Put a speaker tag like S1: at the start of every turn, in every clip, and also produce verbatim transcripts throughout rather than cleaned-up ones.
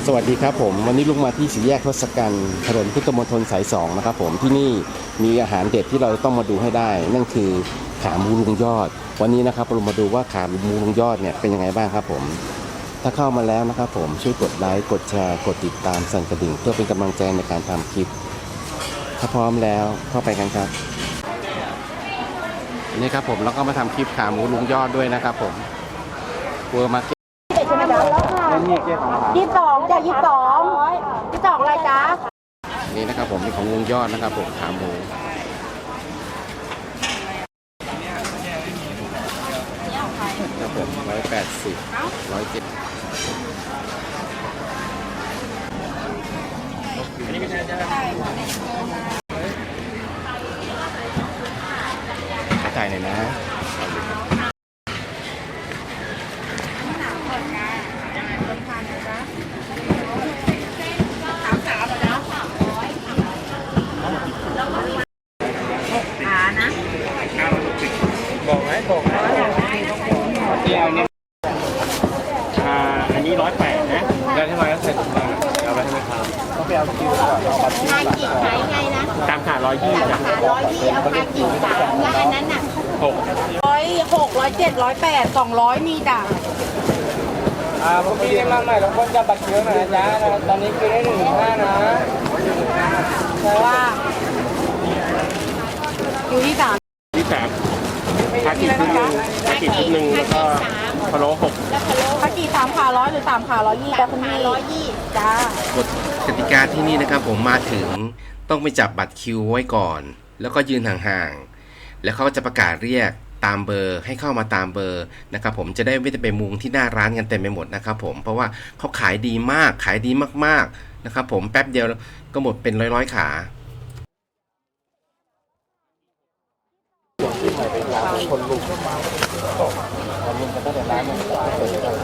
S1: สวัสดีครับผมวันนี้ลุงมาที่สี่แยกทศกัณฐ์ถนนพุทธมณฑลสายสองนะครับผมที่นี่มีอาหารเด็ดที่เราต้องมาดูให้ได้นั่นคือขาหมูลุงยอดวันนี้นะครับเรามาดูว่าขาหมูลุงยอดเนี่ยเป็นยังไงบ้างครับผมถ้าเข้ามาแล้วนะครับผมช่วยกดไลค์กดแชร์กดติดตามสั่นกระดิ่งเพื่อเป็นกำลังใจในการทำคลิปถ้าพร้อมแล้วเข้าไปกันครับนี่ครับผมแล้วก็มาทำคลิปขาหมูลุงยอดด้วยนะครับผมเวอร์มาร์เก็ต
S2: ใช่ไหมจ๊ะยี่สิบสองจ้ะยี่สิบสองยี่สิบสองอะไรจ๊ะ
S1: นี่นะครับผมนี่ของลุงยอดนะครับผมขาหมูครับผมร้อยแปดสิบร้อยเจ็ดจ่ายหน่อยนะ
S3: บอกไหมบอกไหมที่เอาเนี่ยอ่าอันนี้ร้อยแปดนะแล้วทำไมต้องใส่ถุงมือเอาไปให้ไหมครับต้องไปเอาคิวก่อนเอาบัตรคิวก่อน
S2: ขายไงนะ
S3: ตามขาร้อยยี่จ้ะ
S2: ร้อยยี่เอาคากี่สามแล้วอันนั้นน่ะ
S3: หก
S2: ร้อยหกร้อยเจ็ดร้อยแปดสองร้อยมีจ้ะ
S3: อ่าเมื่อกี้ได้มาใหม่เราก็จะบัตรคิวหน่อยนะจ๊ะตอนนี้คือได้หนึ่งห้านะ
S2: เพราะว่าอยู่ที่สาม
S3: ที่สามขากี่ชุดหนึ่งขากี่ชุดหนึ่งแล้วก็พะโล้หก
S2: คากี่สามขาร้อยหรือสามขาร้อยยี่จ้ะคุณพี่ร้อยยี่จ้าก
S1: ฎกติกาที่นี่นะครับผมมาถึงต้องไปจับบัตรคิวไว้ก่อนแล้วก็ยืนห่างๆแล้วเขาก็จะประกาศเรียกตามเบอร์ให้เข้ามาตามเบอร์นะครับผมจะได้ไม่ได้ไปมุงที่หน้าร้านกันเต็มไปหมดนะครับผมเพราะว่าเขาขายดีมากขายดีมากๆนะครับผมแป๊บเดียวก็หมดเป็นร้อยๆขาคนลุกคนลุกกันตั้งแต่ร้านมันเปิดกัน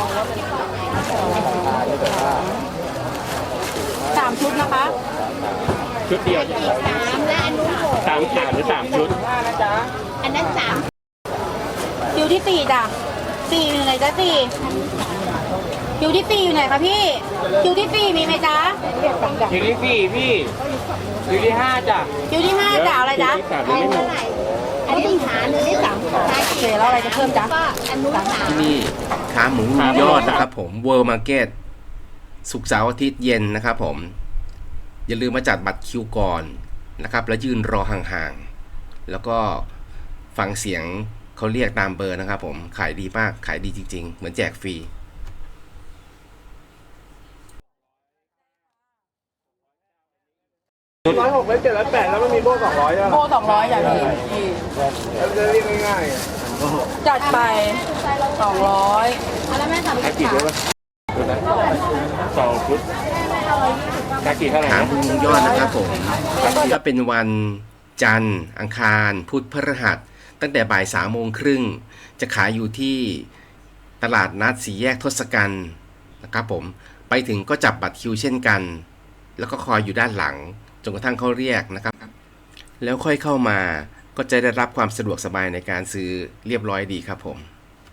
S2: สามชุดนะคะ
S3: ชุดเดียว
S2: สามและอันนู้นหก
S3: สามขาหรือสามชุด
S2: อันนั้นสามคิวที่สี่จ้ะสี่อยู่ไหนจ๊ะสี่คิวที่สี่อยู่ไหนคะพี่คิวที่สี่มีไหมจ๊ะ
S3: คิวที่สี่พี่คิวที่ห้าจ้ะ
S2: คิวที่ห้าจ้ะอะไรจ๊ะอันนี้ขาหนึ่งที่สามขาเสร็จแล้วอะไรจะเพิ่มจ๊ะอันนู้นสาม
S1: ที่นี่ขาหมูลุงยอดนะครับผมเวิร์มาร์เก็ตศุกร์เสาร์อาทิตย์เย็นนะครับผมอย่าลืมมาจัดบัตรคิวก่อนนะครับแล้วยืนรอห่างๆแล้วก็ฟังเสียงเขาเรียกตามเบอร์นะครับผมขายดีมากขายดีจริงๆเหมือนแจกฟรี
S3: ร้อยหกร้อยเจ็ดร้อยแปดแล้วมันมีโบ้สองร้อยอ่ะ
S2: โบ้สองร้อยอย่างนี้
S3: จะเรียกง่าย
S2: ๆจัดไปสองร้อยแล้วแม่ทำกี่ชุด
S3: สองชุดกากี่เท่าไหร่
S1: ถามคุณลุงยอดนะครับผมถ้าเป็นวันจันทร์อังคารพุธพฤหัสตั้งแต่บ่ายสามโมงครึ่งจะขายอยู่ที่ตลาดนัดสี่แยกทศกัณฐ์นะครับผมไปถึงก็จับบัตรคิวเช่นกันแล้วก็คอยอยู่ด้านหลังจนกระทั่งเขาเรียกนะครับแล้วค่อยเข้ามาก็จะได้รับความสะดวกสบายในการซื้อเรียบร้อยดีครับผม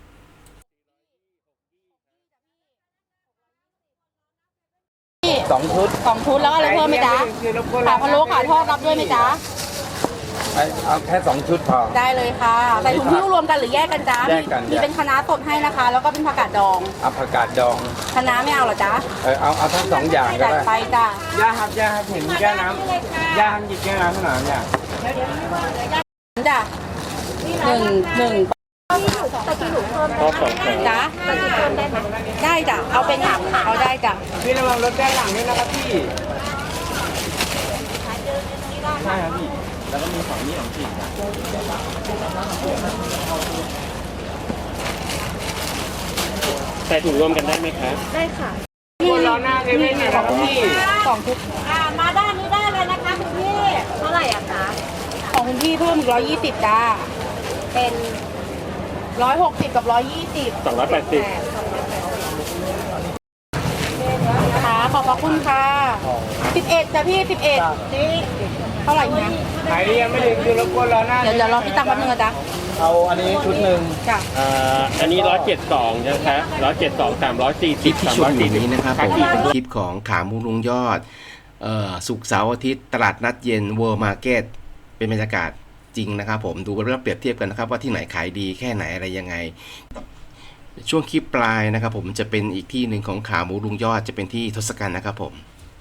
S3: สองชุด
S2: สองชุดแล้วอะไรเพิ่มไหมจ๊ะขาพะโล้ขาทอดรับด้วยไหมจ๊ะ
S3: เอาแค่สองชุดพอ
S2: ได้เลยค่ะใส่ถุงหิ้วรวมกันหรือแยกกันจ๊ะ
S3: แยกกัน
S2: มีเป็นคะน้าสดให้นะคะแล้วก็เป็นผักกาดดอง
S3: เอาผักกาดดอง
S2: คะน้าไม่เอาหรอจ๊ะ
S3: เออเอาเอาทั้งสองอย่างก็ได้
S2: ไปจ้ะ
S3: ย่าครับย่าครับเห็นแก้วน้ำย่าหยิบแก้วน้ำขนาดนี้
S2: จ้ะหนึ่งหนึ่ง
S3: ก็สอง
S2: จ้ะได้จ้ะเอาเป็นหักเอาได้จ้ะ
S3: พี่ระวังรถด้านหลังด้วยนะครับพี่ใช่ครับพี่แล้วก็มีฝั่งนี้ของพี่ใส่ถุงรวมกันได้ไหมครับ
S2: ได้ค่ะ
S3: คนรอหน้าเลยไม่ไหนครับพี่
S2: สองชุดอ่ามาด้านนี้ได้เลยนะคะคุณพี่เท่าไหร่อ่ะคะของคุณพี่เพิ่มร้อยยี่สิบจ้าเป็นร้อยหกสิบกับร้อยยี่สิบ
S3: สองร้อยแปดสิบ
S2: ค่ะขอบพระคุณค่ะสิบเอ็ดจ้ะพี่สิบเอ็ดเท่าไหร่เนี่ย
S3: ขายดียังไม่ถึงคือรบกวนรอหน้า
S2: เดี๋ยวเดี๋ยวรอพี่ตังค์แป๊บนึงนะจ๊ะ
S3: เอาอันนี้ชุดหนึ่ง
S2: จ้ะ
S3: อ่าอันนี้ร้อยเจ็ดสองนะครับร้อยเจ็ดสองสามร้อยสี่
S1: คลิ
S3: สิ
S1: ป
S3: บ
S1: ที่
S3: สาม
S1: ช
S3: ร้
S1: ม
S3: อย
S1: อ
S3: สี่
S1: ยู่
S3: สิบ
S1: นี้นะครับผม
S3: สี่
S1: เป็นคลิปของขาหมูลุงยอดเอ่อศุกร์เสาร์อาทิตย์ตลาดนัดเย็นเวิร์มาร์เก็ตเป็นบรรยากาศจริงนะครับผมดูเรื่องเปรียบเทียบกันนะครับว่าที่ไหนขายดีแค่ไหนอะไรยังไง ช่วงคลิปปลายนะครับผมจะเป็นอีกที่หนึ่งของขาหมูลุงยอดจะเป็นที่ทศกัณฐ์นะครับผม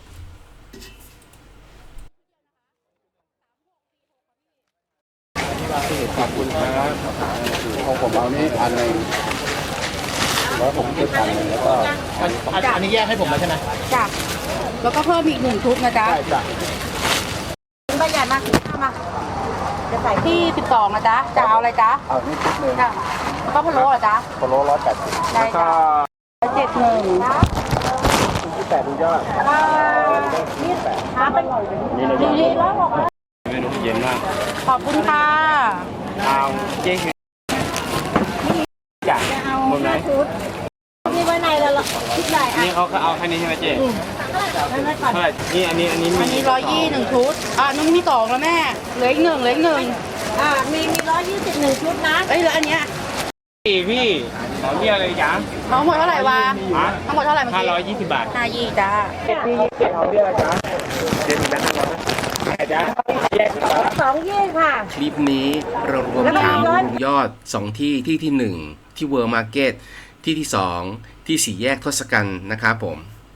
S3: ขอบคุณครับ
S4: ของผมเอานี่อันหนึ่งแล้วผมคิดอันหนึ่งแล้วก็
S3: อันอันอันนี้แยกให้ผมแล้วใช่ไหม
S2: จ้ะแล้วก็เพิ่มอีกหนึ่งชุดนะจ๊ะ
S4: ใช่จ้ะ
S2: ประหยัดมากข้ามาจะใส่ที่สิบสองนะจ๊ะจะเอาอะไรจ๊ะ
S4: เอานี่ชุดหนึ่ง
S2: จ้ะแล้วก็พะโล้เหรอจ๊ะ
S4: โคโลร้อยแปดสิบ
S2: ได้จ้ะเจ็ดหนึ่ง
S4: ที่แปดดูยอด
S2: นี่หาเป็น
S3: นี่เรา
S2: ดีๆแล้วบอก
S3: เมนูเย็นมาก
S2: ขอบคุณค่ะ
S3: เอาเจ๊คือจ้ะหมดไหม
S2: นี่ไว้ในแล้วล่ะคิดได้อ่ะ
S3: นี่เขาก็เอาแค่นี้ใช่ไหมเจ๊เท่าไหร่นี่อันนี้อันนี้
S2: อันนี้ร้อยยี่หนึ่งชุดอ่ะนุ่นมีสองแล้วแม่เหลืออีกหนึ่งเหลืออีกหนึ่ง
S5: อ่ามีมีร้อยยี่สิบหนึ่งชุดนะ
S2: เอ้ยแล้วอันเนี้ย
S3: สี่พี่ขอเรียกอะไรจ๊ะ
S2: ทั้งหมดเท่าไหร่วะ
S3: ฮะ
S2: ทั้งหมดเท่าไหร่เมื่อ
S3: ห้า
S2: กี้
S3: ร้อยยี่สิบบาท
S2: ห้ายี่จ้า
S3: เจ็ดพี่ยี่สิบเจ็ดเอาเรียกอะไรจ๊ะเจ็ดมีแบงค์ห้าร้อยไหนจ๊ะแยกสิบบาท
S5: สองยี่ค่ะ
S1: คลิปนี้เรารวมขาหมูลุงยอดสองที่ที่ที่หนึ่งที่เวิร์มาร์เก็ตที่ที่สองที่สี่แยกทศกัณฐ์นะครับผม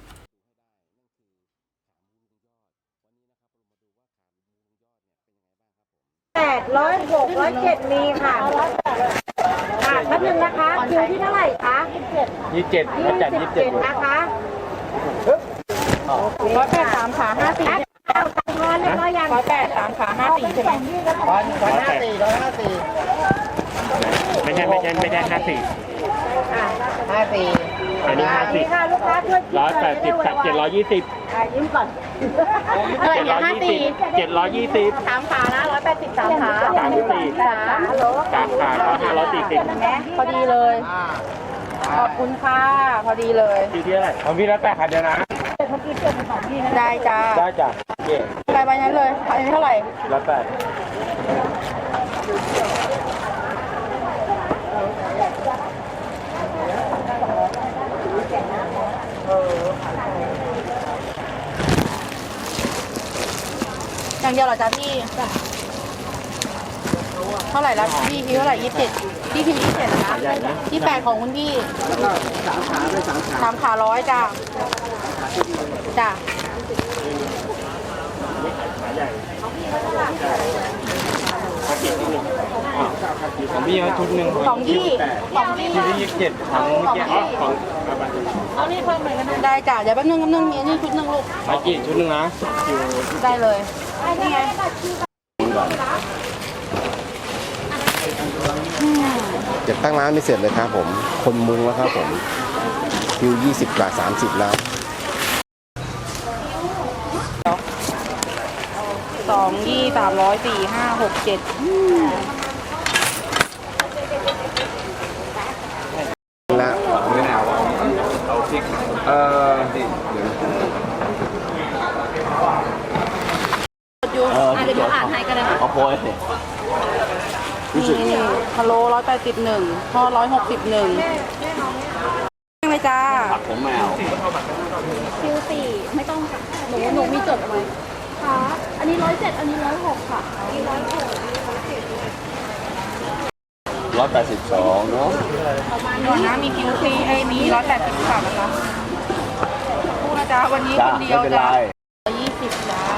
S5: แปดร้อยหกร้อยเจ็ดมีค่ะอ่าแป๊บนึงนะคะคิวที่เท่าไหร่คะ
S3: ยี่สิบเจ็ด
S5: ยี่
S3: เขาจัด
S5: สิ
S3: ยี่
S5: บ
S3: สิบเจ็
S5: เจ็
S3: ด
S5: ดนะคะ
S2: ร้อยแปดสามขาห้าสี่
S5: เอาตังค์ทอนเรียบร้อยยัง
S2: ร้อยแปดสามขาห้าสี่ใช่ไหม
S4: ร้อยร้อยห้าสี่ร้อยห้าสี่
S3: ไม่ใช่ไม่ใช่ไม่ใช่ห้าสี่
S4: ห้าสี่
S3: อันนี้ห้าสิ
S5: นี่
S3: บ
S5: ค่ะลูกค้าช่วยคิด
S3: ร้อยแปดสิบกับเจ็ดร้อยยี่สิบ
S5: อ่ายิ้มก่อน
S2: เท่าไหร่
S3: เจ็ด
S2: เนี่
S3: ร้
S2: ย
S3: อย
S2: ห้า
S3: ยี่
S2: สี่
S3: สิบเจ็ดร้อยยี่สิบ
S2: สามขานะร้อยแปดสิบสามขา
S3: สามสิบสี่
S5: จ้าฮัลโหล
S3: สามขาก็ห้าร้อยสี่สิบ
S2: พอดีเลย ขอบคุณค่ะ พอดีเลย
S3: ที่ที่อะไรของพี่แล้วแต่ขาเดียวนะ
S2: ได้จ้า
S3: ได้จ้ะเย่
S2: ไปไปนั้นเลยอันนี้เท่าไหร่
S3: แล้วแต่
S2: อย่างเดียวเหรอจ๊ะพี่เท่าไหร่แล้วพี่คิวเท่าไหร่ยี่สิบเจ็ดพี่คิวยี่สิบเจ็ดนะที่แปดของคุณพี่
S4: สามขาด้วยสามขา
S2: สามขาร้อยจ้าจ้า
S3: ของพี่เอาชุดหนึ่ง
S2: สองยี่สองยี่
S3: ชุดที่ยี่สิบเจ็ดของเมื่อกี้อ๋อของ
S2: เอานี่เพิ่มเลยก็ได้ได้จ้ะเดี๋ยวแป๊บนึงแป๊บนึงมีอันนี่ชุดหนึ่งลูก
S3: มากี่ชุดหนึ่งนะ
S2: ได้เลยนี่ไงอืม
S4: เก็บตั้งร้านไม่เสร็จเลยครับผม คนมุงแล้วครับผมคิวยี่สิบกับสามสิบแล้ว
S2: สองยี่สามร้อยสี่ห้าหกเจ็ด
S4: ละ
S3: เอ่อ
S2: อยู่อ่ะเดี๋ยวดูอ่านให้กันเลยค่ะ
S4: เอาโพย
S2: นี่พะโล้ร้อยแปดสิบหนึ่งทอดร้อยหกสิบหนึ่งเลยจ้า
S4: ผมแมว
S5: คิวสี่ไม่ต้องค่ะหนูหนูมีจดเอาไว้ค่ะอันนี้ร้อยเจ็ดอันนี้ร้อยหกค่ะอันนี้ร้อยหก
S4: ร้อยแปดสิบสองเนาะ
S2: ก่อนนะมีคิวซีไอ้มีร้อยแปดสิบสามนะคะพูดนะจ๊ะวันนี้คนเดียวจ้าร้อยยี่สิบจ้า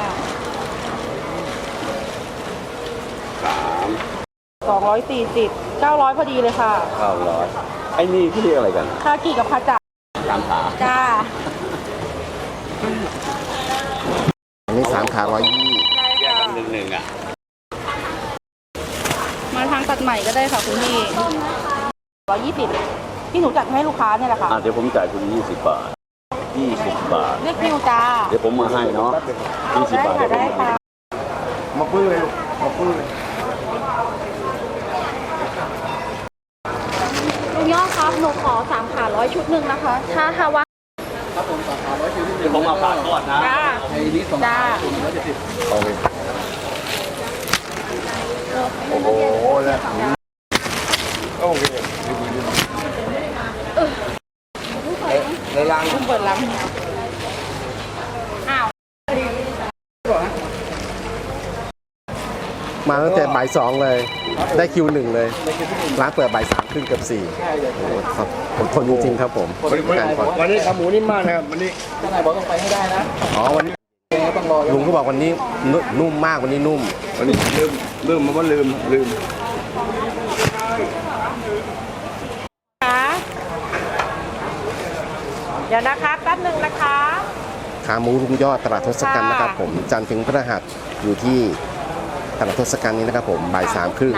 S4: สาม
S2: สองร้อยสี่สิบเก้าร้อยพอดีเลยค่ะ
S4: เก้าร้อยไอ้นี่ที่เรียกอะไรกัน
S2: คากิกับคาจ่า
S4: สามขา
S2: จ้า
S4: อันนี้สามขาร้อยยี่
S3: หนึ่งหนึ่งอ่ะ
S2: มาทางตัดใหม่ก็ได้ค่ะคุณพี่ร้อยยี่สิบที่หนูจัดให้ลูกค้าเนี่ยแหละค่ะ
S6: อ่ะเดี๋ยวผมจ่ายคุณยี่สิบบาทยี่สิบบาท
S2: เรียกคิวจ้า
S6: เดี๋ยวผมมาให้เนาะยี่สิบ
S2: ได้
S6: บาท
S2: ค่ะ
S6: เดี๋ยวผม
S2: ได้
S6: มาให้
S2: ค่ะ
S4: มาปื้อเลยมาปื้อเลย
S5: ลุงยอดครับหนูขอสามขาร้อยชุดหนึ่งนะคะ ถ้าถ้าว่า
S6: เดี๋ยวผมมาฝากก่อนนะ
S2: จ้า
S4: ไอ้นี่สอง
S2: จ้า
S4: ร้อยเจ็ดสิบโอเคโอ้โหแล้ว
S3: โอเคในรัง
S2: เพิ่งเปิดร้านอ้าว
S4: มาตั้งแต่บ่ายสองเลย ได้คิวหนึ่งเลย ร้านเปิดบ่ายสามครึ่งเกือบสี่โอ้โหครับอดทนจริงๆครับผมการก่อน
S3: วันนี้ขาหมูนิ่มมากนะครับวันนี้
S4: อ๋อวันนี้ลุงก็บอกวันนี้นุ่มนุ่มมากวันนี้นุ่ม
S3: วันนี้ลืมลืมมาว่าลืมลืม
S2: คะเดี๋ยวนะคะแป๊บหนึ่งนะคะ
S4: ขาหมูลุงยอดตลาดทศกัณฐ์นะครับผมจันทร์ถึงพฤหัสอยู่ที่ตลาดทศกัณฐ์นี้นะครับผมบ่ายสามครึ่ง
S2: ไหน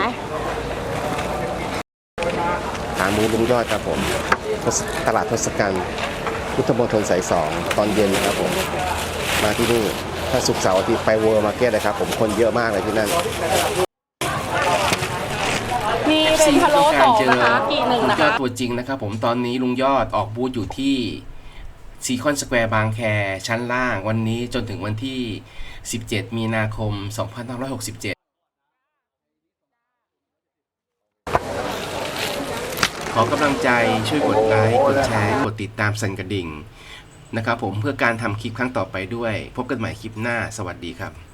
S4: ขาหมูลุงยอดครับผมตลาดทศกัณฐ์พุทธมณฑลสายสองตอนเย็นนะครับผมมาที่นี่ถ้าศุกร์เสาร์อาทิตย์ไปเวิร์มาร์เก็ตนะครับผมคนเยอะมากเลยที่นั่น
S2: มีเป็นพะโล้
S1: ต้
S2: ส
S1: อ
S2: อง
S1: การเจอ
S2: นะคะกี่หนึ่ง
S1: ลุง
S2: นะ
S1: ยอ
S2: คะ
S1: ดตัวจริงนะครับผมตอนนี้ลุงยอดออกบูธอยู่ที่ซีคอนสแควร์บางแคชั้นล่างวันนี้จนถึงวันที่ สิบเจ็ด มีนาคม สองพันห้าร้อยหกสิบเจ็ด ขอกำลังใจช่วยกดไลค์ กดแชร์ กดติดตามสั่นกระดิ่งนะครับผมเพื่อการทำคลิปครั้งต่อไปด้วย พบกันใหม่คลิปหน้าสวัสดีครับ